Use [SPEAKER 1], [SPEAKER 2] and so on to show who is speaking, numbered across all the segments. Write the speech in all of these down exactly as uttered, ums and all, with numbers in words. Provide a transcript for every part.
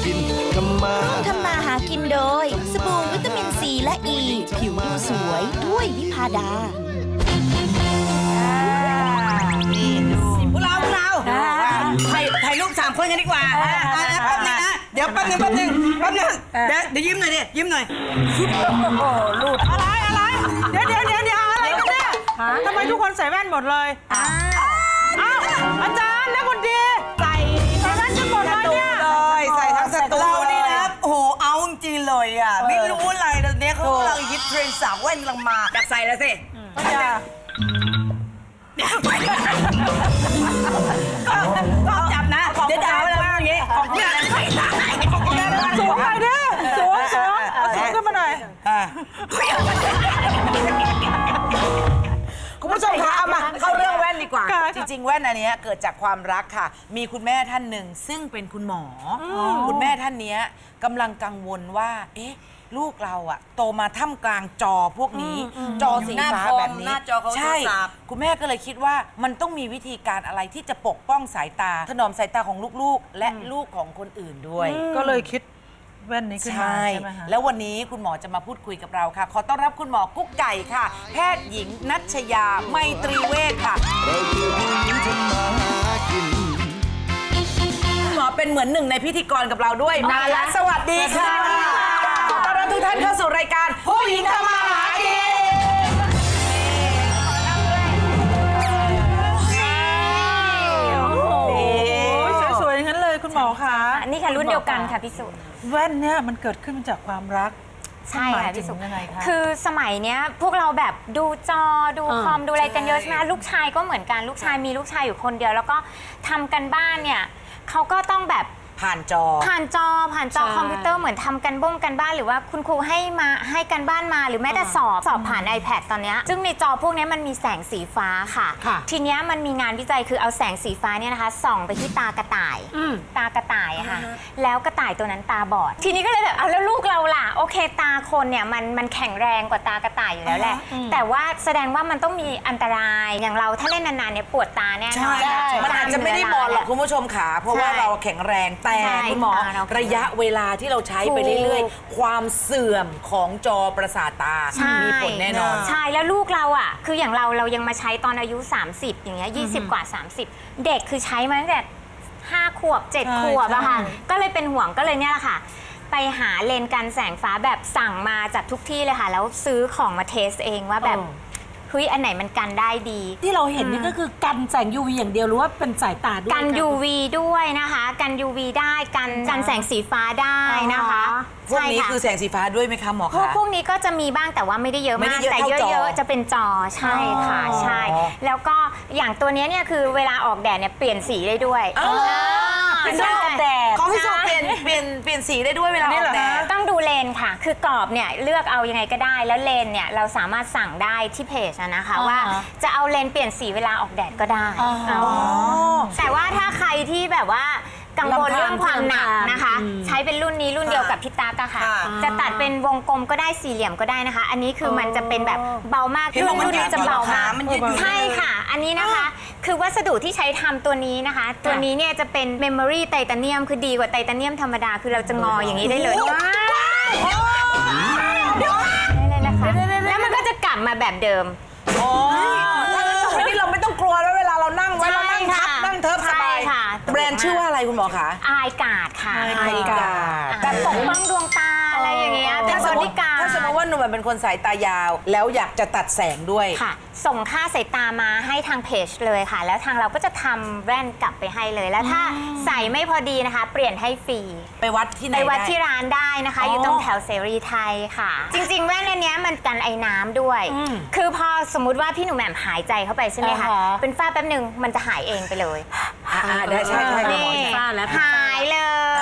[SPEAKER 1] กินทำมา
[SPEAKER 2] ร่วมทำมาหากินโดยสบู่วิตามินซีและอ e, ีผิวดูสวยด้วยวิพาดา
[SPEAKER 3] พวกเราพวกเราถ่ายถ่ายรูปสามคนกันดีกว่าแป๊บนึงนะเดี๋ยวแป๊บนึงแป๊บนึงแป๊บนึงเดี๋ยวเดี๋ยวยิ้มหน่อยดิยิ้มหน่อยโอ้ลูดอะไรอะไรเดี๋ยวเดี๋ยวเดี๋ยวเดี๋ยวอะไรกันเนี่ยทำไมทุกคนใส่แว่นหมดเลยอ้าวอาจารย์นะคนดีใส่ใส่แว่นกันหมดเลยเนี่ยเลยใส่ทั้งสตูเรานี่นะโอ้โหเอาจริงเลยอ่ะไม่รู้อะไรตอนนี้เขากำลังฮิตเทรนด์สาวแว่นกำลังมาอยากใส่แล้วสิก็จับนะเดี๋ยวจะเอาอะไรอย่างงี้เนี่ยสูงหน่อยดิสูงสูงเอาสูงขึ้นมาหน่อยคุณผู้ชมคะเอามาเข้าเรื่องแว่นดีกว่าจริงๆแว่นอันนี้เกิดจากความรักค่ะมีคุณแม่ท่านหนึ่งซึ่งเป็นคุณหมอคุณแม่ท่านนี้กำลังกังวลว่าเอ๊ะลูกเราอะโตมาท่ามกลางจอพวกนี้จอสีฟ้าแบบนี้ใช่คุณแม่ก็เลยคิดว่ามันต้องมีวิธีการอะไรที่จะปกป้องสายตาถนอมสายตาของลูกๆและลูกของคนอื่นด้วย
[SPEAKER 4] ก็เลยคิดแว่นนี้ขึ้นมาใช่ไหมคะ
[SPEAKER 3] แล้ววันนี้คุณหมอจะมาพูดคุยกับเราค่ะขอต้อนรับคุณหมอกุ๊กไก่ค่ะแพทย์หญิงนัชยาไมตรีเวชค่ะ
[SPEAKER 1] เราคือผู้หญิงทำมาหากิน
[SPEAKER 3] คุณหมอเป็นเหมือนหนึ่งในพิธีกรกับเราด้วยมาแล้วสวัสดีค่ะต้อนรับทุกท่านเข้าสู่รายการผู้หญิงทำมาหากิน
[SPEAKER 4] สวยๆอย่างนั้นเลยคุณหมอคะ
[SPEAKER 5] นี่ค่ะรุ่นเดียวกันค่ะพี่สุ
[SPEAKER 4] แว่นเนี่ยมันเกิดขึ้นมาจากความรัก
[SPEAKER 5] ใช่ค่ะพี่สุ
[SPEAKER 4] ยังไงคะ
[SPEAKER 5] คือสมัยเนี้ยพวกเราแบบดูจอดูคอมดูอะไรกันเยอะใช่ไหมลูกชายก็เหมือนกันลูกชายมีลูกชายอยู่คนเดียวแล้วก็ทำกันบ้านเนี่ยเขาก็ต้องแบบ
[SPEAKER 3] ผ่านจอ
[SPEAKER 5] ผ่านจอผ่านจอคอมพิวเตอร์เหมือนทำกันบ้งกันบ้านหรือว่าคุณครูให้มาให้กันบ้านมาหรือแม้แต่สอบสอบผ่าน iPad ตอนนี้ซึ่งในจอพวกนี้มันมีแสงสีฟ้าค่ะทีนี้มันมีงานวิจัยคือเอาแสงสีฟ้าเนี่ยนะคะส่องไปที่ตากระต่ายตากระต่ายค่ะแล้วกระต่ายตัวนั้นตาบอดทีนี้ก็เลยแบบเอาแล้วลูกเราล่ะโอเคตาคนเนี่ยมันมันแข็งแรงกว่าตากระต่ายอยู่แล้วแหละแต่ว่าแสดงว่ามันต้องมีอันตรายอย่างเราถ้าเล่นนานๆเนี่ยปวดตาแน่นอน
[SPEAKER 3] มันอาจจะไม่ได้บอดหรอกคุณผู้ชมขาเพราะว่าเราแข็งแรงแต่คุณหมอระยะเวลาที่เราใช้ไปเรื่อยๆความเสื่อมของจอประสาทตามีผลแน่นอน
[SPEAKER 5] ใช่แล้วลูกเราอ่ะคืออย่างเราเรายังมาใช้ตอนอายุสามสิบอย่างเงี้ยยี่สิบกว่าสามสิบเด็กคือใช้มาตั้งแต่ห้าขวบเจ็ดขวบอะค่ะก็เลยเป็นห่วงก็เลยเนี่ยแหละค่ะไปหาเลนส์กันแสงฟ้าแบบสั่งมาจากทุกที่เลยค่ะแล้วซื้อของมาเทสเองว่าแบบเฮ้ยอันไหนมันกันได้ดี
[SPEAKER 6] ที่เราเห็นนี่ก็คือกันแสง ยู วี อย่างเดียวหรือว่าเป็นสายตาด้วย
[SPEAKER 5] กัน ยู วี ด้วยนะคะกัน ยู วี ได้กันกันแสงสีฟ้าได้นะคะ
[SPEAKER 3] พวกนี้คือแสงสีฟ้าด้วยไหมคะหมอคะ
[SPEAKER 5] พวกนี้ก็จะมีบ้างแต่ว่าไม่ได้เยอะมากแต่เยอะๆจะเป็นจอใช่ค่ะใช่แล้วก็อย่างตัวนี้เนี่ยคือเวลาออกแดดเนี่ยเปลี่ยนสีได้ด้วย
[SPEAKER 3] เป็นออกแดดของพี่สุเปลี่ยนเปลี่ยนเปลี่ยนสีได้ด้วยเวลาออกแดด
[SPEAKER 5] ต้องดูเลนค่ะคือกรอบเนี่ยเลือกเอายังไงก็ได้แล้วเลนเนี่ยเราสามารถสั่งได้ที่เพจนะคะว่าจะเอาเลนเปลี่ยนสีเวลาออกแดดก็ได้แต่ว่าถ้าใครที่แบบว่ากังวลเรื่องความหนักนะคะใช้เป็นรุ่นนี้รุ่นเดียวกับพี่ตากค่ะจะตัดเป็นวงกลมก็ได้สี่เหลี่ยมก็ได้นะคะอันนี้คือมันจะเป็นแบบเบามากรุ่นรุ่นนี้จะเบามากใช่ค่ะอันนี้นะคะคือวัสดุที่ใช้ทำตัวนี้นะคะตัวนี้เนี่ยจะเป็นเมมโมรี่ไทเทเนียมคือดีกว่าไทเทเนียมธรรมดาคือเราจะงออย่างนี้ได้เลยได้เลยนะคะแล้วมันก็จะกลับมาแบบเดิม
[SPEAKER 3] ทีนี้เราไม่ต้องกลัวแล้วเวลาเรานั่งไว้เรานั่งทับนั่งเทิบสบายแบรนด์ชื่อว่าอะไรคุณหมอคะ
[SPEAKER 5] อายการ์ดค่ะ
[SPEAKER 3] อายการ์ด
[SPEAKER 5] แบบปกป้องดวงตาอะไรอย่างเงี้ยเป็นบริการ
[SPEAKER 3] ถ้าสมมติว่าหนุ่มเป็นคนสายตายาวแล้วอยากจะตัดแสงด้วย
[SPEAKER 5] ค่ะส่งค่าสายตามาให้ทางเพจเลยค่ะแล้วทางเราก็จะทำแว่นกลับไปให้เลยแล้วถ้าใส่ไม่พอดีนะคะเปลี่ยนให้ฟรี
[SPEAKER 3] ไปวัดที่ไหน
[SPEAKER 5] ไปวัดที่ร้านได้นะคะอยู่ตรงแถวเสรีไทยค่ะจริงๆแว่นอันนี้มันกันไอ้น้ำด้วยคือพอสมมุติว่าพี่หนุ่มแหม่มหายใจเข้าไปใช่ไหมคะเป็นฝ้าแป๊บหนึ่งมันจะหายเองไปเลย
[SPEAKER 3] ได้ใช่ใช่
[SPEAKER 5] นี่หายเลย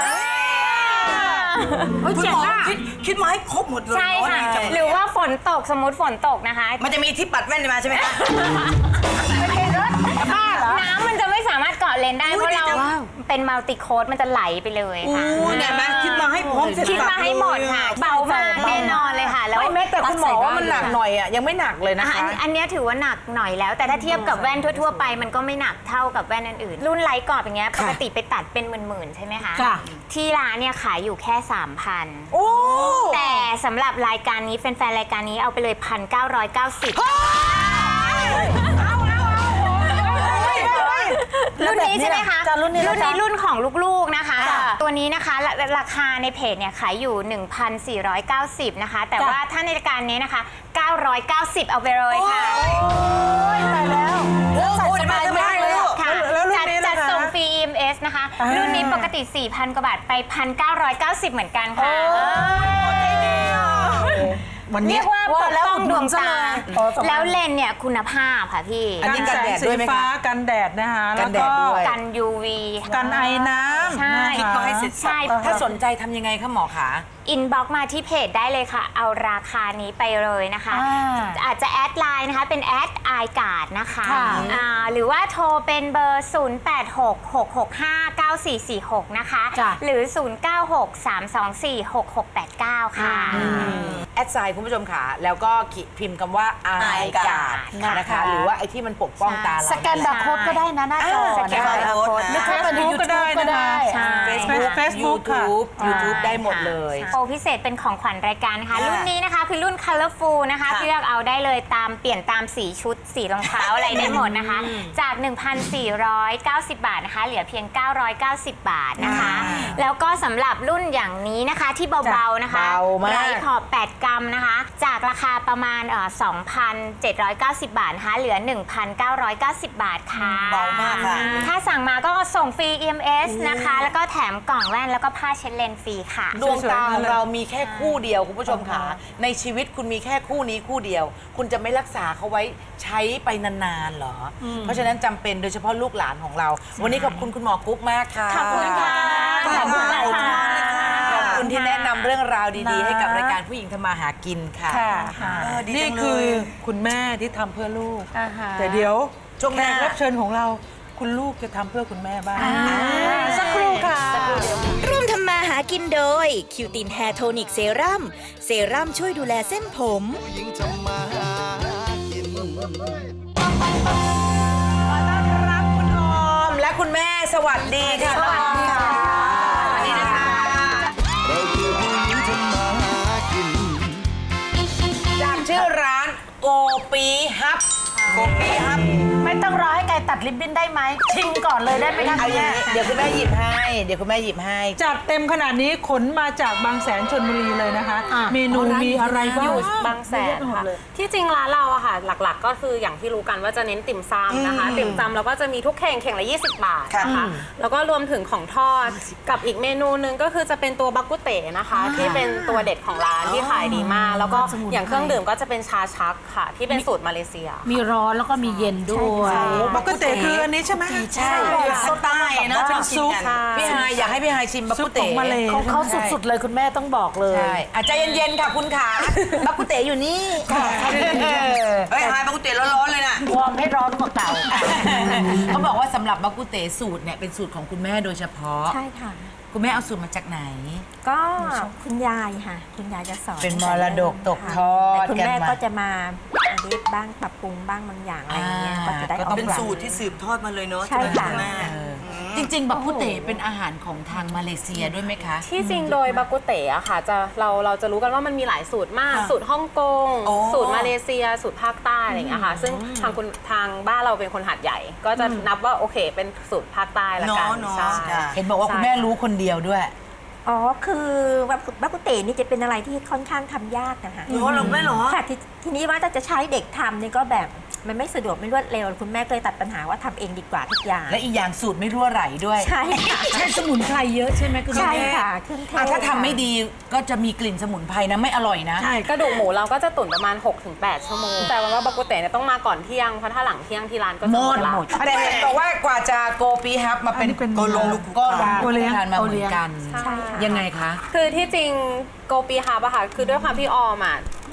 [SPEAKER 3] คุณหมอคิดคิดมาให้ครบหมดเลย
[SPEAKER 5] ใช่ค่ะหรือว่าฝนตกสมมติฝนตกนะคะ
[SPEAKER 3] มันจะมีที่ปัดแว่นมาใช่ไหมคะ
[SPEAKER 5] น้ำมันจะไม่สามารถเกาะอเลนได้เพราะเราเป็นมัลติโค้ดมันจะไหลไปเลย
[SPEAKER 3] โอ้
[SPEAKER 5] ค่ะ
[SPEAKER 3] ยเนี่ยแม่คิดมาให้พร้อมเสร็จ
[SPEAKER 5] คิดมาให้หมดค่ะ เบามากแน่นอนเลยค่ะ แล้ว
[SPEAKER 7] ไม่แม้แต่คุณหมอว่ามันหนักหน่อยอ่ะยังไม่หนักเลยนะ
[SPEAKER 5] อ่ะอั
[SPEAKER 7] คะ
[SPEAKER 5] นอันเนี้ยถือว่าหนักหน่อยแล้ว แต่ถ้าเทียบกับแว่นทั่วๆไปมันก็ไม่หนักเท่ากับแว่นอื่นๆรุ่นไลท์กรอบอย่างเงี้ยปกติไปตัดเป็นหมื่นๆใช่ไหมคะ
[SPEAKER 6] ค่ะ
[SPEAKER 5] ที่ร้านเนี่ยขายอยู่แค่ สามพัน
[SPEAKER 7] โอ้
[SPEAKER 5] แต่สำหรับรายการนี้แฟนๆรายการนี้เอาไปเลย พันเก้าร้อยเก้าสิบ รุ่นนี้ใช่ไหมคะ
[SPEAKER 7] รุ่นนี้
[SPEAKER 5] รุ่นนี้รุ่นของลูกๆนะคะ ตัวนี้นะคะราราคาในเพจเนี่ยขายอยู่ หนึ่งพันสี่ร้อยเก้าสิบ นะคะ แต่ว่าถ้าในรายการนี้นะคะ เก้าร้อยเก้าสิบ เอาไปเลยค่ะ
[SPEAKER 7] ตายแล้วใส่สบายมากเลย
[SPEAKER 5] ค่ะ
[SPEAKER 7] แล้วรุ่น
[SPEAKER 5] จัด
[SPEAKER 7] นี้
[SPEAKER 5] จั
[SPEAKER 7] นะ
[SPEAKER 5] ด
[SPEAKER 7] คะ
[SPEAKER 5] ส่งฟรี อี เอ็ม เอส นะคะ รุ่นนี้ปกติ สี่พัน กว่าบาทไป หนึ่งพันเก้าร้อยเก้าสิบ เหมือนกันค่ะ
[SPEAKER 7] วันนี้
[SPEAKER 5] เรียกว่าปกป้องดวงตา
[SPEAKER 7] อ๋อสองพัน
[SPEAKER 5] แล้วเลนส์เนี่ยคุณภาพค่ะพี่
[SPEAKER 7] อันนี้กันแดดด้วยไหมคะ
[SPEAKER 4] สีฟ้ากันแดดนะคะ
[SPEAKER 7] กั
[SPEAKER 4] แล้ว
[SPEAKER 7] นแด
[SPEAKER 4] ก็
[SPEAKER 7] ดด้วย
[SPEAKER 5] กัน ยู วี
[SPEAKER 4] กันไอน้ำ
[SPEAKER 5] ใช่
[SPEAKER 4] นะคะ
[SPEAKER 3] คิดมาให้เสร็จ
[SPEAKER 5] ใช่
[SPEAKER 7] ถ้าสนใจทำยังไงคะหมอคะ
[SPEAKER 5] อินบ็อกมาที่เพจได้เลยค่ะ เอาราคานี้ไปเลยนะคะ
[SPEAKER 6] อ่า
[SPEAKER 5] อาจจะแอดไลน์นะคะ เป็นแอดไอการ์ดนะคะ
[SPEAKER 6] ค่ะ
[SPEAKER 5] อ่าหรือว่าโทรเป็นเบอร์ ศูนย์ แปด หก หก หก ห้า เก้า สี่ สี่ หก นะคะ
[SPEAKER 6] จ้ะ
[SPEAKER 5] หรือ ศูนย์ เก้า หก สาม สอง สี่ หก หก แปด เก้า ค่ะ
[SPEAKER 7] แอดไซน์คุณผู้ชมค่ะ แล้วก็พิมพ์คำว่า i กาด
[SPEAKER 5] ค่ะ
[SPEAKER 7] นะคะ หรือว่าไอ้ที่มันปกป้องตาเรา
[SPEAKER 6] สแกนบาร์โค้ดก็ได้นะหน้าจอ
[SPEAKER 5] สแกน
[SPEAKER 6] นะ
[SPEAKER 5] บา
[SPEAKER 6] คะ
[SPEAKER 5] ร์โค้ด
[SPEAKER 6] หรือเข้าไปใน
[SPEAKER 4] Facebook ก็ได้
[SPEAKER 6] YouTube ก็
[SPEAKER 4] นะคะ
[SPEAKER 6] ได้
[SPEAKER 5] ใช่
[SPEAKER 7] Facebook
[SPEAKER 4] Facebook ค่ะ
[SPEAKER 7] YouTube YouTube ได้หมดเลย
[SPEAKER 5] โปรพิเศษเป็นของขวัญรายการนะคะ รุ่นนี้นะคะคือรุ่น Colorful นะคะเลือกเอาได้เลยตามเปลี่ยนตามสีชุดสีรองเท้า อะไรได้หมดนะคะ จาก หนึ่งพันสี่ร้อยเก้าสิบ บาทนะคะ เหลือเพียง เก้าร้อยเก้าสิบ บาทนะคะ แล้วก็สำหรับรุ่นอย่างนี้นะคะที่เบาๆนะคะ
[SPEAKER 7] เบามาก
[SPEAKER 5] ไรขอบ แปด กรัมนะคะ จากราคาประมาณเอ่อ สองพันเจ็ดร้อยเก้าสิบ บาทนะคะ เหลือ หนึ่งพันเก้าร้อยเก้าสิบ บาทค่ะ
[SPEAKER 3] เบามากค่ะ
[SPEAKER 5] ถ้าสั่งมาก็ส่งฟรี อี เอ็ม เอส นะคะ แล้วก็แถมกล่องแว่นแล้วก็ผ้าเช็ดเลนส์ฟรีค่ะ
[SPEAKER 7] ดวงตาของเรามีแค่คู่เดียวคุณผู้ชมค่ะในชีวิตคุณมีแค่คู่นี้คู่เดียว คุณจะไม่รักษาเขาไว้ใช้ไปนานๆเหรอ เพราะฉะนั้นจำเป็นโดยเฉพาะลูกหลานของเรา วันนี้ขอบคุณคุณหมอกุ๊กมากค่ะ
[SPEAKER 5] ขอบคุณค่ะ
[SPEAKER 7] ขอบคุณ
[SPEAKER 5] ขอบคุณค่ะ
[SPEAKER 7] ขอบคุณที่แนะนำเรื่องราวดีๆ ให้กับรายการผู้หญิงทำมาหากินค่ะ
[SPEAKER 3] เออดี
[SPEAKER 4] นี่
[SPEAKER 3] จังเล
[SPEAKER 4] คือย คุณแม่ที่ทำเพื่อลูก
[SPEAKER 5] อ่าฮะ
[SPEAKER 4] แต่เดี๋ยว
[SPEAKER 3] ช่วงห
[SPEAKER 4] แข
[SPEAKER 3] น้า
[SPEAKER 4] กรับเชิญของเราคุณลูกจะทำเพื่อคุณแม่บ้างสักครู่ค่ะ
[SPEAKER 2] ร่วมทำมาหากินโดย คิวตินแฮร์โทนิกเซรั่มเซรั่มช่วยดูแลเส้นผม
[SPEAKER 1] ผู้หญิงทำมาหากิน
[SPEAKER 7] รับคุณออมและคุณแม่สวัสดีค่ะ
[SPEAKER 5] สวัสดีค่ะ
[SPEAKER 7] สวัสดีนะคะ
[SPEAKER 1] เราคือผู้หญิงทำมาหากิน
[SPEAKER 7] จากชื่อร้านโกปีฮับโกปีฮับ
[SPEAKER 6] ไม่ต้องรอให้ไกลตัดริบบิ้นได้ไหมชิมก่อนเลยได้ไหมคะ
[SPEAKER 7] เอาอย่างนี้เดี๋ยวคุณแม่หยิบให้ เดี๋ยวคุณแม่หยิบให้
[SPEAKER 4] จัดเต็มขนาดนี้ขนมาจากบางแสนชลบุรีเลยนะคะ เมนูมีอะไรบ้าง
[SPEAKER 8] อยู่บางแสนค่ะ ที่จริงร้านเราอะค่ะ หลักๆ ก็คืออย่างที่รู้กันว่าจะเน้นติ่มซำนะคะ ติ่มซำเราก็จะมีทุกเข่งเข่งละยี่สิบบาทนะคะแล้วก็รวมถึงของทอดกับอีกเมนูนึงก็คือจะเป็นตัวบักกุเต๋นะคะ ที่เป็นตัวเด็ดของร้านที่ขายดีมาก แล้วก็อย่างเครื่องดื่มก็จะเป็นชาชักค่ะ ที่เป็นสูตรมาเลเซีย
[SPEAKER 6] มีร้อนแล้วก็มีเย็นด้วย
[SPEAKER 4] บักกุเตคืออันนี้ใช่ไหม
[SPEAKER 7] ใช่
[SPEAKER 3] สไตล์เนาะเป็นซุป
[SPEAKER 7] พี่ฮายอยากให้พี่ฮายชิมบัก
[SPEAKER 4] ซุ
[SPEAKER 7] กุ
[SPEAKER 4] ปข
[SPEAKER 7] เต๋
[SPEAKER 4] องมาเลย
[SPEAKER 6] ของเขาสุดๆเลยคุณแม่ต้องบอกเลย
[SPEAKER 7] ใช่อ่ะใจเย็นๆค่ะคุณขาบักกุเต๋อยู่นี่
[SPEAKER 3] เฮ้ยหายปกติร้อนๆเลยน่ะ
[SPEAKER 6] วอร์มให้ร้อนกว่าเก่า
[SPEAKER 7] เขาบอกว่าสำหรับบักกุเต๋สูตรเนี่ยเป็นสูตรของคุณแม่โดยเฉพาะ
[SPEAKER 9] ใช่ค่ะ
[SPEAKER 7] คุณแม่เอาสูตรมาจากไหน
[SPEAKER 9] ก็คุณยายค่ะ คุณยายจะสอน
[SPEAKER 7] เป็นมรดกตกทอด
[SPEAKER 9] แต่คุณแม่
[SPEAKER 7] กันมา
[SPEAKER 9] ก็จะมาอันนี้บ้างปรับปรุงบ้างบางอย่างอะไรอย่างเงี้ย
[SPEAKER 7] อ่า
[SPEAKER 9] ก็จะได้
[SPEAKER 7] ก็
[SPEAKER 9] อ
[SPEAKER 7] ต้
[SPEAKER 9] อ
[SPEAKER 7] อง
[SPEAKER 9] ก
[SPEAKER 3] เป็น
[SPEAKER 9] แบบ
[SPEAKER 3] สูตรที่สืบทอดมาเลยเนาะ
[SPEAKER 9] ใช่ค่ะ
[SPEAKER 3] แม่
[SPEAKER 7] จริงๆ บักกุเต๋เป็นอาหารของทางมาเลเซียด้วยไหมคะ
[SPEAKER 8] ที่จริงโดยบากุเตะอะค่ะจะเราเราจะรู้กันว่ามันมีหลายสูตรมาก
[SPEAKER 3] ค่ะ
[SPEAKER 8] สูตรฮ่องกง
[SPEAKER 3] โอ้
[SPEAKER 8] สูตรมาเลเซีย สูตรภาคใต้อะไรอย่างเงี้ยค่ะซึ่งทางคุณทางบ้านเราเป็นคนหัดใหญ่ ก็จะนับว่าโอเคเป็นสูตรภาคใต้ละกัน
[SPEAKER 3] เนาะเนาะ
[SPEAKER 8] ใช่
[SPEAKER 3] จ้ะ
[SPEAKER 7] เห็นบอกว่าคุณแม่รู้คนเดียวด้วย
[SPEAKER 9] อ๋อ คือบักกุเต๋นี่จะเป็นอะไรที่ค่อนข้างทำยากนะคะ
[SPEAKER 3] หรอหรอแม่หรอ
[SPEAKER 9] ค่ะททีนี้ว่าถ้าจะใช้เด็กทำนี่ก็แบบมันไม่สะดวกไม่รวดเร็ว คุณแม่ก็เลยตัดปัญหาว่าทำเองดีกว่าทุกอย่าง
[SPEAKER 7] และอีกอย่างสูตรไม่รั่วไหลด้วย
[SPEAKER 9] ใช่ค่ะ
[SPEAKER 6] ใช้สมุนไพรเยอะใช่ไหมคุณ
[SPEAKER 9] ใช่
[SPEAKER 6] แม่
[SPEAKER 9] ค่ะเครื่องเทศ
[SPEAKER 7] อ่ะถ้าทำไม่
[SPEAKER 9] ค่ะ
[SPEAKER 7] ดีก็จะมีกลิ่นสมุนไพรนะไม่อร่อยนะ
[SPEAKER 8] ใช่กระดูกหมูเราก็จะตุ๋นประมาณ หกถึงแปด ชั่วโมง แต่ว่าบากุเตะเนี่ยต้องมาก่อนเที่ยงเพราะถ้าหลังเที่ยงที่ร้านก็จะหมดละ
[SPEAKER 7] แต่เห็นบอกว่ากว่าจะโกปีฮับมาเป็น
[SPEAKER 4] อันนี้เป็น
[SPEAKER 7] โกลงก็ลง
[SPEAKER 4] โอเลี้ยง
[SPEAKER 7] ทานมาเหมือนกัน
[SPEAKER 9] ใช่ค่ะ
[SPEAKER 7] ยังไงคะ
[SPEAKER 8] คือที่จริงโกปีฮับอะค่ะคือด้วยความที่ออมอะ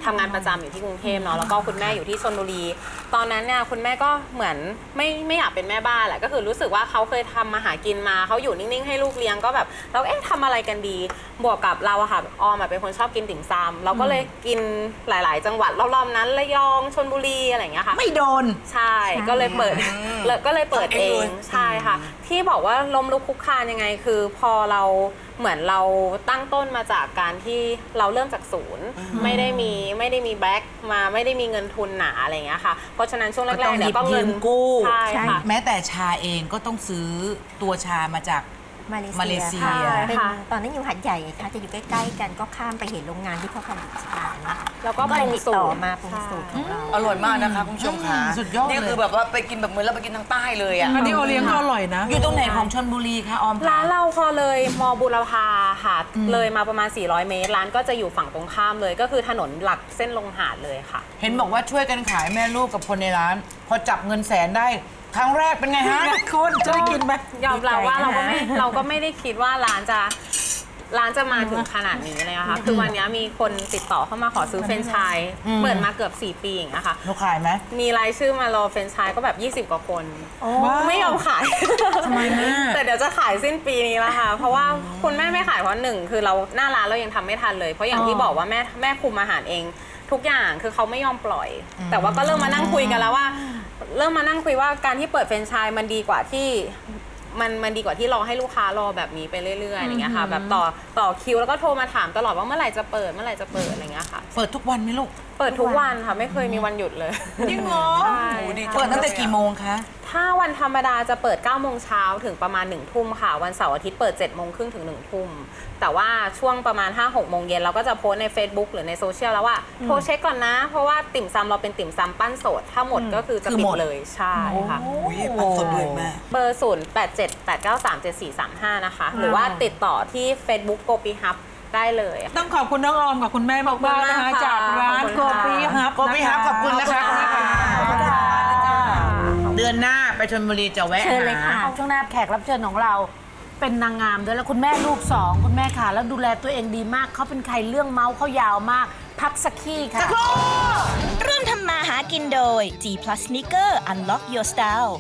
[SPEAKER 8] ทำงานประจำอยู่ที่กรุงเทพเนาะแล้วก็คุณแม่อยู่ที่ชลบุรีตอนนั้นเนี่ยคุณแม่ก็เหมือนไม่ไม่อยากเป็นแม่บ้านแหละก็คือรู้สึกว่าเขาเคยทำมาหากินมาเขาอยู่นิ่งๆให้ลูกเลี้ยงก็แบบเราเอ๊ะทำอะไรกันดีบวกกับเราอะค่ะออมเป็นคนชอบกินติ่มซำเราก็เลยกินหลายๆ จังหวัดรอบๆนั้นระยองชลบุรีอะไรอย่างเงี้ยค่ะ
[SPEAKER 3] ไม่โดน
[SPEAKER 8] ใช่ก็เลยเปิดเลยก็เลยเปิดเองใช่ค่ะที่บอกว่าล้มลุกคลุกคลานยังไงคือพอเราเหมือนเราตั้งต้นมาจากการที่เราเริ่มจากศูนย์ไม่ได้มีไม่ได้มีแบ็คมาไม่ได้มีเงินทุนหนาอะไรอย่างเงี้ยค่ะเพราะฉะนั้นช่วงแรกๆเนี่ยก็เงินกู้ใช่ค่ะ
[SPEAKER 7] แม้แต่ชาเองก็ต้องซื้อตัวชามาจาก
[SPEAKER 9] มาเล
[SPEAKER 7] มาเลเซีย
[SPEAKER 9] เป็นตอนนั้นอยู่หัดใหญ่ค่ะจะอยู่ใกล้ๆกันก็ข้ามไปเห็นโรงงานที่เขาผลิตชานะคะ
[SPEAKER 8] แล้วก็
[SPEAKER 9] ก็เลยติดต่อ
[SPEAKER 8] ปรุงสูตร
[SPEAKER 9] มาปรุงสูตรของเรา
[SPEAKER 3] อร่อยมากนะคะคุณผู้ชมค่ะ
[SPEAKER 7] สุดยอดเลย
[SPEAKER 3] นี่คือแบบว่าไปกินแบบเหมือนเราไปกินทางใต้เลยอ่ะ
[SPEAKER 4] อันนี้โอเลี้ยงก็อร่อยนะ
[SPEAKER 7] อยู่ตรงไหนของชลบุรีคะออมคะ
[SPEAKER 8] ร้านเราพอเลยมอบุรพาค่ะเลยมาประมาณสี่ร้อยเมตรร้านก็จะอยู่ฝั่งตรงข้ามเลยก็คือถนนหลักเส้นลงหาดเลยค่ะ
[SPEAKER 7] เห็นบอกว่าช่วยกันขายแม่ลูกกับคนในร้าน พอจับเงินแสนได้ครั้งแรกเป็นไงฮะ
[SPEAKER 4] คุณจะได้กินไหม
[SPEAKER 8] ยอมรับว่าเราก็ไม่เราก็ไม่ได้คิดว่าร้านจะร้านจะมาถึงขนาดนี้เลยนะคะคือวันนี้มีคนติดต่อเข้ามาขอซื้อเฟรนช์ชายเปิดมาเกือบสี่ปีอย่างเงี้ยค่ะ
[SPEAKER 7] หนูขายไหม
[SPEAKER 8] มีรายชื่อมารอเฟรนช์ชายก็แบบยี่สิบกว่าคนไม่ยอมขาย
[SPEAKER 7] ทำไมแม่
[SPEAKER 8] แต่เดี๋ยวจะขายสิ้นปีนี้แล้วค่ะเพราะว่าคุณแม่ไม่ขายเพราะหนึ่งคือเราหน้าร้านเรายังทำไม่ทันเลยเพราะอย่างที่บอกว่าแม่แม่คุมอาหารเองทุกอย่างคือเขาไม่ยอมปล่อย แต่ว่าก็เริ่มมานั่งคุยกันแล้วว่า เริ่มมานั่งคุยว่าการที่เปิดเฟรนไชส์มันดีกว่าที่มันมันดีกว่าที่รอให้ลูกค้ารอแบบนี้ไปเรื่อยๆอย่างเงี้ยค่ะแบบต่อต่อคิวแล้วก็โทรมาถามตลอดว่าเมื่อไหร่จะเปิดเมื่อไหร่จะเปิดอะไรเงี้ยค่ะ
[SPEAKER 7] เปิดทุกวันไหมลูก
[SPEAKER 8] เปิดทุกวันค่ะไม่เคยมีวันหยุดเลย
[SPEAKER 7] จริงเหรอ
[SPEAKER 8] ใช่
[SPEAKER 7] เปิดตั้งแต่กี่โมงคะ
[SPEAKER 8] ถ้าวันธรรมดาจะเปิดเก้าโมงเช้าถึงประมาณหนึ่งทุ่มค่ะวันเสาร์อาทิตย์เปิดเจ็ดโมงครึ่งถึงหนึ่งทุ่มแต่ว่าช่วงประมาณ ห้าหกโมงเย็นเราก็จะโพสต์ใน Facebook หรือในโซเชียลแล้วว่าโทรเช็คก่อนนะ เพราะว่าติ่มซำเราเป็นติ่มซำปั้นสดถ้าหมดก็คือจะ
[SPEAKER 7] คือ
[SPEAKER 8] ปิ
[SPEAKER 7] หม
[SPEAKER 8] ด
[SPEAKER 7] ด
[SPEAKER 8] เลยใช่ค่ะ
[SPEAKER 3] อุ้ยปันสดเลยแม่
[SPEAKER 8] เบอร์ ศูนย์ แปด เจ็ด แปด เก้า สาม เจ็ด สี่ สาม ห้า นะคะ หรือว่าติดต่อที่ Facebook โกปีฮับได้เลย
[SPEAKER 4] ต้องขอบคุณน้องออมกับคุณแม่มากๆนะคะ
[SPEAKER 8] ขอบคุณมากค่ะ
[SPEAKER 4] จากร้าน
[SPEAKER 8] ขอบ
[SPEAKER 4] โก
[SPEAKER 8] คุณค่ะ
[SPEAKER 4] ปีฮับ
[SPEAKER 7] โกปีฮับขอบคุณนะคะ
[SPEAKER 4] ขอบคุณค่ะ
[SPEAKER 7] เดือนหน้าไปชลบุรีจะแวะ
[SPEAKER 6] เชิญเลยค่ะ
[SPEAKER 7] หา
[SPEAKER 6] ช่วงหน้าแขกรับเชิญของเรา เป็นนางงามด้วยแล้วคุณแม่ลูกสองคุณแม่ค่ะ แล้วดูแลตัวเองดีมากเขาเป็นใครเรื่องเมาส์เขายาวมาก พักสักขี้ค่ะ
[SPEAKER 2] ร่วมทำมาหากินโดย G Plus Sneaker Unlock Your Style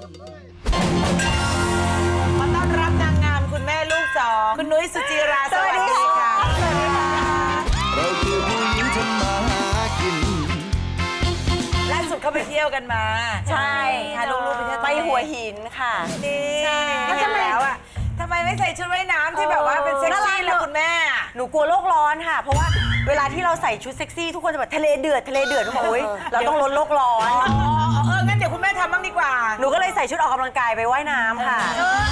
[SPEAKER 7] ขอต้อนรับนางงามคุณแม่ลูกสองคุณนุ้ยสุจิราสวัสดีค่ะ
[SPEAKER 1] เราคือผู้หญิงทำมาหากิน
[SPEAKER 7] ล่าสุดเขาไปเที่ยวกันมา
[SPEAKER 9] ใช่
[SPEAKER 7] พาลูกๆไปเที่ยว
[SPEAKER 9] ไปหัวหินค่ะ
[SPEAKER 7] นี่
[SPEAKER 9] แล้วทำไม
[SPEAKER 7] แล้วอ่ะทำไมไม่ใส่ชุดว่ายน้ำที่แบบว่าเป็นเซ็กซี่เลยคุณแม่อะ
[SPEAKER 9] หนูกลัวโลกร้อนค่ะ เพราะว่าเวลาที่เราใส่ชุดเซ็กซี่ทุกคนจะแบบทะเลเดือดทะเลเดือดทุกคนโอ๊ยเราต้องลดโลกร้อน
[SPEAKER 7] เอองั้นเดี๋ยวคุณแม่ทำบ้างดีกว่า
[SPEAKER 9] หนูก็เลยใส่ชุดออกกำลังกายไปว่ายน้ำค่ะ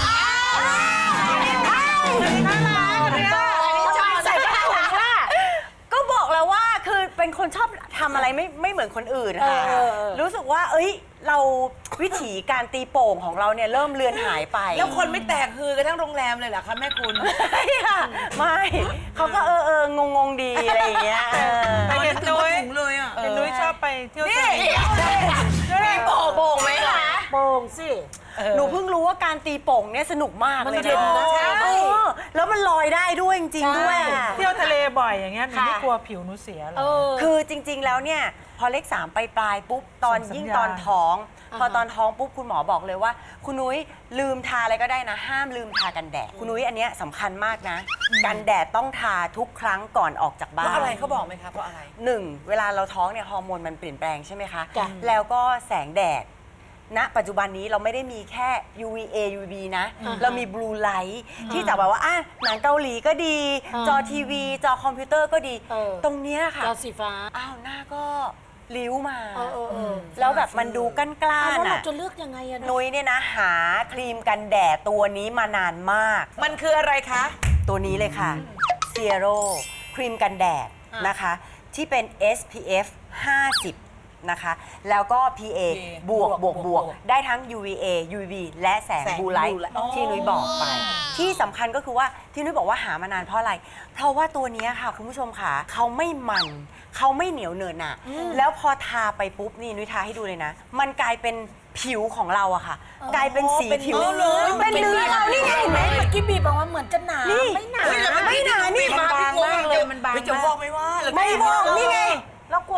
[SPEAKER 9] ใส่ผ้าถุงค่ะก็บอกแล้วว่าคือเป็นคนชอบทำอะไรไม่ไม่เหมือนคนอื่นค่ะรู้สึกว่า เอ้ย เราวิถีการตีโป่งของเราเนี่ยเริ่มเลือนหายไป
[SPEAKER 7] แล้วคนไม่แตกฮือกันทั้งโรงแรมเลยเหรอคะแม่คุณ
[SPEAKER 9] ไม่ค่ะไม่เขาก็เออเอองงงๆดีอะไรอย่างเงี้ยเออ
[SPEAKER 4] แต่เห็นนุ้ย
[SPEAKER 7] ถุงเลยอ่ะ
[SPEAKER 4] เห็นนุ้ยชอบไปเที่ยว
[SPEAKER 7] นี่
[SPEAKER 4] ทะเล
[SPEAKER 7] นี่โป่งโป่งไหมคะ
[SPEAKER 6] โป่งสิ
[SPEAKER 9] หนูเพิ่งรู้ว่าการตีโป่งเนี่ยสนุกมาก
[SPEAKER 6] มัน
[SPEAKER 9] เลย
[SPEAKER 6] เย็นนะ
[SPEAKER 9] ใช่แล้วมันลอยได้ด้วยจริงๆด้วยอะ
[SPEAKER 4] เที่ยวทะเลบ่อยอย่างเงี้ยหนู
[SPEAKER 9] ค่ะ
[SPEAKER 4] ไม่กลัวผิวหนูเสียเหรอ
[SPEAKER 9] คือจริง ๆ แล้วเนี่ยพอเลขสามไปปลายๆปุ๊บตอน
[SPEAKER 4] ส่งสัญญาณ
[SPEAKER 9] ยิ่งตอนท้อง พอตอนท้องปุ๊บคุณหมอบอกเลยว่า คุณนุ้ยลืมทาอะไรก็ได้นะ ห้ามลืมทากันแดดคุณนุ้ยอันเนี้ยสำคัญมากนะ กันแดดต้องทาทุกครั้งก่อนออกจาก
[SPEAKER 7] เพ
[SPEAKER 9] บ้าน
[SPEAKER 7] ราะอะไรเขาบอกไหมคะเพราะอะไร
[SPEAKER 9] หนึ่งเวลาเราท้องเนี่ยฮอร์โมนมันเปลี่ยนแปลงใช่ไหมคะ
[SPEAKER 6] จ้ะ
[SPEAKER 9] แล้วก็แสงแดด ณ ปัจจุบันนี้เราไม่ได้มีแค่ ยู วี เอ ยู วี บี นะ เรามีบลูไลท์ที่จะแบบว่าอ่ะหนังเกาหลีก็ดี จอทีวี จอคอมพิวเตอร์ก็ดี
[SPEAKER 6] เออ
[SPEAKER 9] ตรงเนี้ยค่ะ
[SPEAKER 6] จอสีฟ้า
[SPEAKER 9] อ้าวหน้าก็ริ้วมา
[SPEAKER 6] เออเออเออ
[SPEAKER 9] แล้วแบบมันดูกั้นกล้า
[SPEAKER 6] อ้าวแล้วเรา
[SPEAKER 9] น่ะ
[SPEAKER 6] จะเลือกยังไงอะ
[SPEAKER 9] นุ้ยเนี่ยนะหาครีมกันแดดตัวนี้มานานมาก
[SPEAKER 7] มันคืออะไรคะ
[SPEAKER 9] ตัวนี้เลยค่ะ Zero ครีมกันแดดนะคะ ที่เป็น เอส พี เอฟ ห้าสิบ นะคะ แล้วก็ พี เอ บวกบวกบวกได้ทั้ง ยู วี เอ ยู วี บี และแสง
[SPEAKER 7] แสง
[SPEAKER 9] บลูไลท์
[SPEAKER 7] blue light
[SPEAKER 9] ที่นุ้ยบอกไป ที่สำคัญก็คือว่าที่นุ้ยบอกว่าหามานานเพราะอะไร เพราะว่าตัวเนี้ยค่ะคุณผู้ชมค่ะเขาไม่มันเขาไม่เหนียวเนินหนะแล้วพอทาไปปุ๊บนี่นุ้ยทาให้ดูเลยนะ มันกลายเป็นผิวของเราอะค่ะ กลายเป็นสีผิวเป็นเนื้อเรานี่ไงเห็นไหม
[SPEAKER 6] เมื่อกี้บีบบอกว่าเหมือนจะหนา
[SPEAKER 9] นี่
[SPEAKER 6] ไม่หนา
[SPEAKER 9] ไม่หนานี่
[SPEAKER 7] มันบางมากเลยมันบางพี่จะบอกไม่ว่า
[SPEAKER 9] ไม่บอกนี่ไง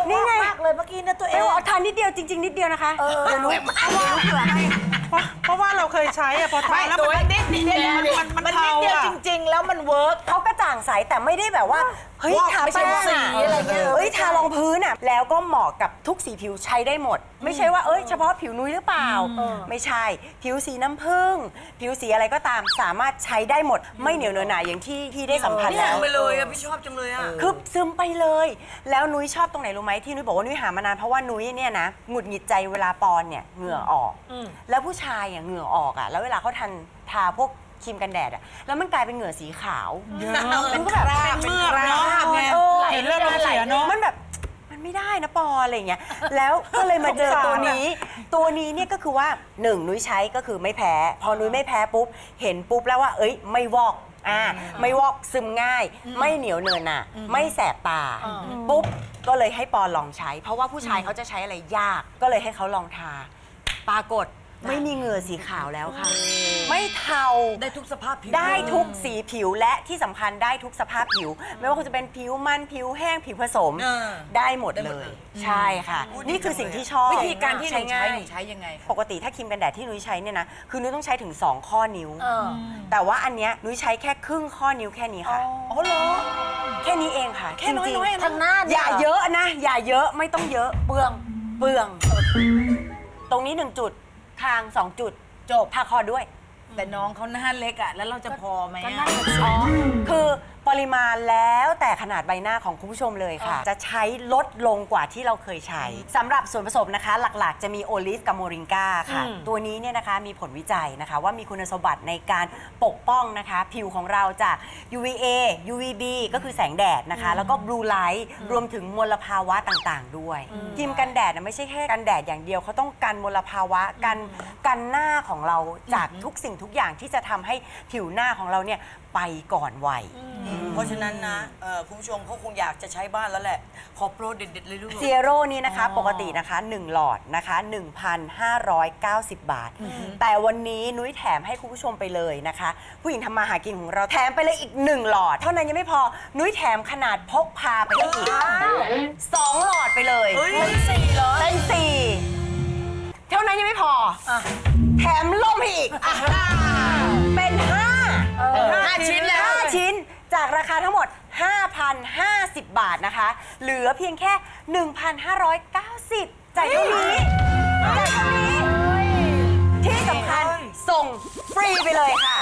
[SPEAKER 9] นี่ไง
[SPEAKER 6] มากเลยเมื่อกี้นะตัวเอ
[SPEAKER 9] เอง วทานนิดเดียวจริง ๆ นิดเดียวนะคะเดี๋ยวนุ้ยเอาว่าเผื่อให้
[SPEAKER 4] เพราะเพราะว่าเราเคยใช้อะพอทานแล้วมันนิดนิดเดียวมันมัน
[SPEAKER 6] มัน
[SPEAKER 4] เทา
[SPEAKER 6] นิดเดียว
[SPEAKER 4] อะ
[SPEAKER 6] จริง ๆ แล้วมันเวิร์ก
[SPEAKER 9] เขากระจ่างใสแต่ไม่ได้แบบว่าเฮ้ยทาแป้ง
[SPEAKER 6] สีอะไรเงี้ย
[SPEAKER 9] เอ้ยทารองพื้นอ่ะแล้วก็เหมาะกับทุกสีผิวใช้ได้หมด ไม่ใช่ว่าเอ้ยเฉพาะผิวนุ้ยหรือเปล่า ไม่ใช่ผิวสีน้ำผึ้งผิวสีอะไรก็ตามสามารถใช้ได้หมด ไม่เหนียวเนอะหนาอย่างที่พี่ได้สัมผัสแล้ว
[SPEAKER 3] ไปเลยอะพี่ชอบจังเลยอะ
[SPEAKER 9] คือซึมไปเลย แล้วนุ้ยชอบตรงไหนรู้ไหมที่นุ้ยบอกว่านุ้ยหามานานเพราะว่านุ้ยเนี่ยนะหงุดหงิดใจเวลาปอนเนี่ยเหงื่อออก แล้วผู้ชายอ่ะเหงื่อออกอ่ะแล้วเวลาเขาทันทาพวกครีมกันแดดอ่ะแล้วมันกลายเป็นเหงื่อสีขาวมันก็แบบ
[SPEAKER 4] เป็นเมือกเนาะ
[SPEAKER 9] เออ
[SPEAKER 4] เห็นเลือดลมเสียเนาะ
[SPEAKER 9] มันแบบมันไม่ได้นะปออะไรอย่างเงี้ยแล้วก็เลยมาเจอตัวนี้ ตัวนี้เนี่ยก็คือว่าหนึ่งนุ้ยใช้ก็คือไม่แพ้ พอนุ้ยไม่แพ้ปุ๊บเห็นปุ๊บแล้วว่าเอ้ยไม่วอกอ่าไม่วอกซึมง่าย ไม่เหนียวเนินอ่ะไม่แสบตาปุ๊บก็เลยให้ปอลองใช้ เพราะว่าผู้ชายเขาจะใช้อะไรยากก็เลยให้เขาลองทาปรากฏไม่มีเหงื่อสีขาวแล้วค่ะ ไม่เทา
[SPEAKER 3] ได้ทุกสภาพผิว
[SPEAKER 9] ได้ทุกสีผิวและที่สำคัญได้ทุกสภาพผิว ไม่ว่าคุณจะเป็นผิวมันผิวแห้งผิวผสม
[SPEAKER 3] เออ
[SPEAKER 9] ได้หมดเลย ใช่ค่ะ นี่คือสิ่งที่ชอบ
[SPEAKER 7] วิธีการที่หนูใช้
[SPEAKER 9] ง่าย
[SPEAKER 7] หนูใช้ยังไงคะ
[SPEAKER 9] ปกติถ้าครีมกันแดดที่นุ้ยใช้เนี่ยนะคือนุ้ยต้องใช้ถึงสองข้อนิ้ว แต่ว่าอันเนี้ยนุ้ยใช้แค่ครึ่งข้อนิ้วแค่นี้ค่ะ
[SPEAKER 7] อ๋อเหรอ
[SPEAKER 9] แค่นี้เองค่ะ
[SPEAKER 7] แค่น้อยๆ
[SPEAKER 9] จริงๆ
[SPEAKER 7] นะ
[SPEAKER 6] ทางหน้า
[SPEAKER 9] อ
[SPEAKER 6] เนี่ย
[SPEAKER 9] ย่าเยอะนะ อย่าเยอะไม่ต้องเยอะเปลืองเปลือง ตรงนี้หนึ่งจุดคางสองจุดจบทาคอด้วย
[SPEAKER 7] แต่น้องเขาหน้าเล็กอะแล้วเราจะพอไหมอะ
[SPEAKER 9] อ๋อ คือปริมาณแล้วแต่ขนาดใบหน้าของคุณผู้ชมเลยค่ะ จะใช้ลดลงกว่าที่เราเคยใช้สำหรับส่วนผสมนะคะ หลักๆ จะมีโอลิฟกับโมริงกาค่ะ ตัวนี้เนี่ยนะคะมีผลวิจัยนะคะ ว่ามีคุณสมบัติในการปกป้องนะคะ ผิวของเราจาก ยู วี เอ ยู วี บี ก็คือแสงแดดนะคะ แล้วก็บลูไลท์รวมถึงมลภาวะต่างๆ ด้วยครีมกันแดดนะไม่ใช่แค่กันแดดอย่างเดียวเขาต้องกันมลภาวะกันกันหน้าของเราจากทุกสิ่งทุกอย่างที่จะทำให้ผิวหน้าของเราเนี่ยไปก่อนวัย
[SPEAKER 3] เพราะฉะนั้นนะเอ่อคุณผู้ชมเขาคงอยากจะใช้บ้านแล้วแหละ ขอโปรเด็ดๆเลยลูก
[SPEAKER 9] เซียโร่นี่นะคะปกตินะคะหนึ่งหลอดนะคะ หนึ่งพันห้าร้อยเก้าสิบ บาท แต่วันนี้นุ้ยแถมให้คุณผู้ชมไปเลยนะคะ ผู้หญิงทำมาหากินของเราแถมไปเลยอีกหนึ่งหลอด เท่านั้นยังไม่พอนุ้ยแถมขนาดพกพาไปได้อีกสองหลอดไปเลยเป็นสี่เหรอเป็นสี่เท่านั้นยังไม่พอแถมล่มให้อีกเป็นห้าห้าชิ้นแล้วห้าชิ้นจากราคาทั้งหมด ห้าพันห้าสิบ บาทนะคะ เหลือเพียงแค่ หนึ่งพันห้าร้อยเก้าสิบ จ่ายเท่านี้จ่ายเท่านี้ ที่สำคัญส่งฟรีไปเลยค่ะ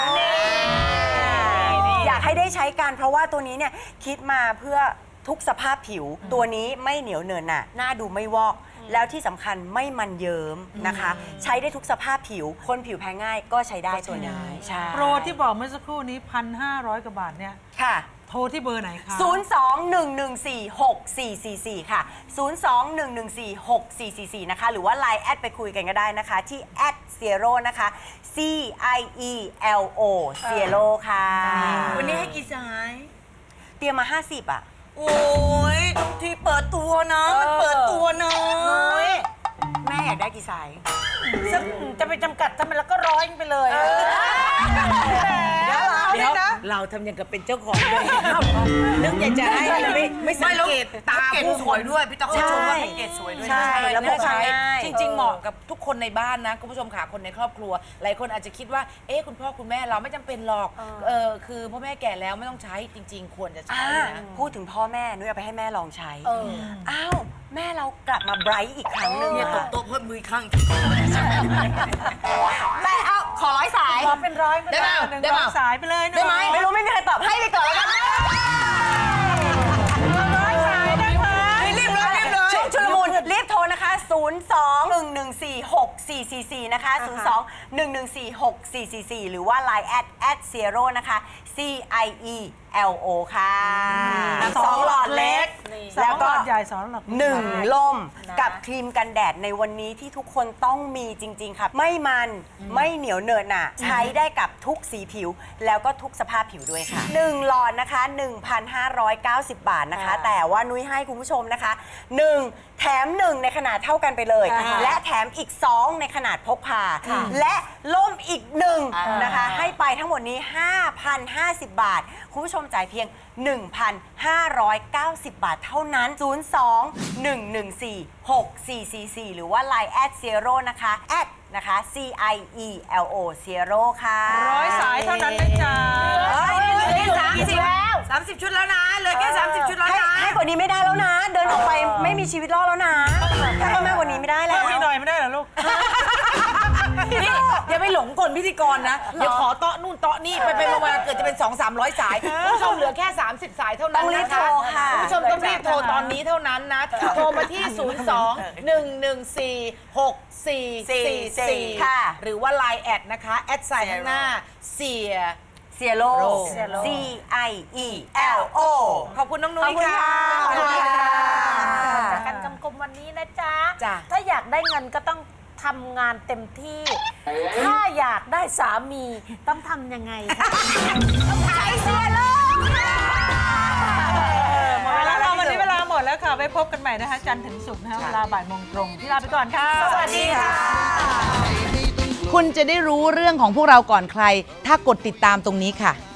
[SPEAKER 9] อยากให้ได้ใช้กันเพราะว่าตัวนี้เนี่ยคิดมาเพื่อทุกสภาพผิว ตัวนี้ไม่เหนียวเนินหนะหน้าดูไม่วอก แล้วที่สำคัญไม่มันเยิ้มนะคะ ใช้ได้ทุกสภาพผิว คนผิวแพ้ง่ายก็ใช้ได้ตัวนี้ใช่
[SPEAKER 4] โปรที่บอกเมื่อสักครู่นี้พันห้าร้อยกว่าบาทเนี่ย
[SPEAKER 9] ค่ะ
[SPEAKER 4] โทรที่เบอร์ไหนคะ
[SPEAKER 9] ศูนย์ สอง หนึ่ง หนึ่ง สี่ หก สี่ สี่ สี่ ค่ะ ศูนย์ สอง หนึ่ง หนึ่ง สี่ หก สี่ สี่ สี่ นะคะ หรือว่า ไลน์ แอดไปคุยกันก็ได้นะคะ ที่ แอด Cielo นะคะ C I E L O Cielo ค่ะ
[SPEAKER 3] วันนี้ให้กี่สาย
[SPEAKER 9] เตรียมมา ห้าสิบ อ่ะ
[SPEAKER 3] โอ้ยทุกทีเปิดตัวนะ มันเปิดตัวนะ
[SPEAKER 9] แม่อยากได้กี่สาย
[SPEAKER 6] จะไปจำกัดทำไมแล้วก็ร้อยไปเลย
[SPEAKER 7] เดี๋ยวเดี๋ยวเราทำอย่างกับเป็นเจ้าของเลยนึกอยากจะให้ไม่ไม่สังเกตตา
[SPEAKER 3] เกต
[SPEAKER 7] ผู้
[SPEAKER 3] ส
[SPEAKER 7] ค
[SPEAKER 3] วย
[SPEAKER 7] น
[SPEAKER 3] ด้วย พี่ต้อง
[SPEAKER 9] ใช่
[SPEAKER 3] ชมว่าแพ็กเกจสวยด้วยนะ
[SPEAKER 9] ใช่ แล้วพกพาง่าย
[SPEAKER 7] จริง ๆ เหมาะกับทุกคนในบ้านนะคุณผู้ชมค่ะคนในครอบครัว หลายคนอาจจะคิดว่าเอ๊ะคุณพ่อคุณแม่เราไม่จำเป็นหรอกเออคือพ่อแม่แก่แล้วไม่ต้องใช้จริง ๆ ควรจะใช้
[SPEAKER 9] อ่า
[SPEAKER 7] นะ
[SPEAKER 9] พูดถึงพ่อแม่นุ้ยเอาไปให้แม่ลองใช้ อ้าว แม่เรากลับมาไบรท์อีกครั้งหนึ่ง
[SPEAKER 3] เนี่ยต
[SPEAKER 9] อะ
[SPEAKER 3] บโต๊ะเพิ่มมืออีกข้าง
[SPEAKER 9] แม่เอาขอร้อยสาย
[SPEAKER 6] ขอเป็นร้อย
[SPEAKER 3] ได้เปล่า
[SPEAKER 4] หนึ่ง
[SPEAKER 3] ได้เปล่า
[SPEAKER 4] สายไปเลยหน่อย
[SPEAKER 9] ได้ไหมไม่รู้ไม่มีใครตอบให้ไปก่อนแล้วกัน
[SPEAKER 4] ร้อยสายได้ไหม
[SPEAKER 3] รีบเลยรีบเลย
[SPEAKER 9] ช่วงชุลมุนรีบโทรนะคะ ศูนย์ สอง หนึ่ง หนึ่ง สี่ หก สี่ สี่ สี่ นะคะ ศูนย์ สอง หนึ่ง หนึ่ง สี่ หก สี่ สี่ สี่ หรือว่า ไลน์ แอด แอด Cielo นะคะ C I E L O ค่ะสองหลอดเล็ก
[SPEAKER 4] สองหลอดใหญ่สองหลอด
[SPEAKER 9] หนึ่งล่มกับครีมกันแดดในวันนี้ที่ทุกคนต้องมีจริง ๆ ค่ะ ไม่มันไม่เหนียวเหนอะหนะใช้ได้กับทุกสีผิว แล้วก็ทุกสภาพผิวด้วยค่ะหนึ่งหลอดนะคะ หนึ่งพันห้าร้อยเก้าสิบ บาทนะคะ แต่ว่านุ้ยให้คุณผู้ชมนะคะหนึ่งแถมหนึ่งในขนาดเท่ากันไปเลย และแถมอีกสองในขนาดพกพา และล่มอีกหนึ่งนะคะ ให้ไปทั้งหมดนี้ ห้าพันห้าสิบ บาทคุณผู้ชมจ่ายเพียง หนึ่งพันห้าร้อยเก้าสิบ บาทเท่านั้น ศูนย์ สอง หนึ่ง หนึ่ง สี่ หก สี่ สี่ สี่ หรือว่า ไลน์ แอท Zero นะคะแอดนะคะ C I E L O Zero ค่ะ
[SPEAKER 4] ร้อยสายเท่านั้นนะจ๊ะ
[SPEAKER 3] เฮ้ยเหลือแค่สามสิบแล้วสามสิบชุดแล้วนะเหลือแค่สามสิบชุดแล้ว
[SPEAKER 9] ให้
[SPEAKER 3] นะ
[SPEAKER 9] ให้กว่านี้ไม่ได้แล้วนะ เดินออกไปไม่มีชีวิตรอดแล้วนะถ้าให้มากกว่านี้ไม่ได้แล้ว
[SPEAKER 4] พี่หน่อยไม่ได้เหรอลูก
[SPEAKER 7] นี่อย่าไปหลงกลพิธีกรนะเดี๋ยวขอเตาะนู่นเตาะนี่ไปไปมาๆเกิดจะเป็น สองสามร้อย สายคุณผู้ชมเหลือแค่ สามสิบ สายเท่านั้น
[SPEAKER 9] ต้องรีบ
[SPEAKER 7] นะ
[SPEAKER 9] โท
[SPEAKER 7] คะ
[SPEAKER 9] รค่ะ
[SPEAKER 7] คุณผู้ชมต้องรีบโทรตอนนี้เท่านั้นนะโทรมาที่ ศูนย์ สอง หนึ่ง หนึ่ง สี่ หก สี่ สี่ สี่
[SPEAKER 9] ค่ะ
[SPEAKER 7] หรือว่า ไลน์ แอดนะคะแอดไซน์ข้างหน้าเสีย
[SPEAKER 9] เซียโร่ C I E L O
[SPEAKER 7] ขอบคุณน้องนุ้ยค่ะ
[SPEAKER 9] ขอบคุณค่ะ
[SPEAKER 6] จากการกำกลมวันนี้นะจ๊ะ
[SPEAKER 7] จ้ะ
[SPEAKER 6] ถ้าอยากได้เงินก็ต้องทำงานเต็มที่ ถ้าอยากได้สามีต้องทำยังไงคะ
[SPEAKER 9] ใช้เซียโร่
[SPEAKER 4] หมดเวลาแล้ววันนี้เวลาหมดแล้วค่ะ ไปพบกันใหม่นะคะ จันทร์ถึงศุกร์นะคะเวลาบ่ายโมงตรง ที่ลาไปก่อนค่ะ
[SPEAKER 7] สวัสดีค่ะ
[SPEAKER 10] คุณจะได้รู้เรื่องของพวกเราก่อนใคร ถ้ากดติดตามตรงนี้ค่ะ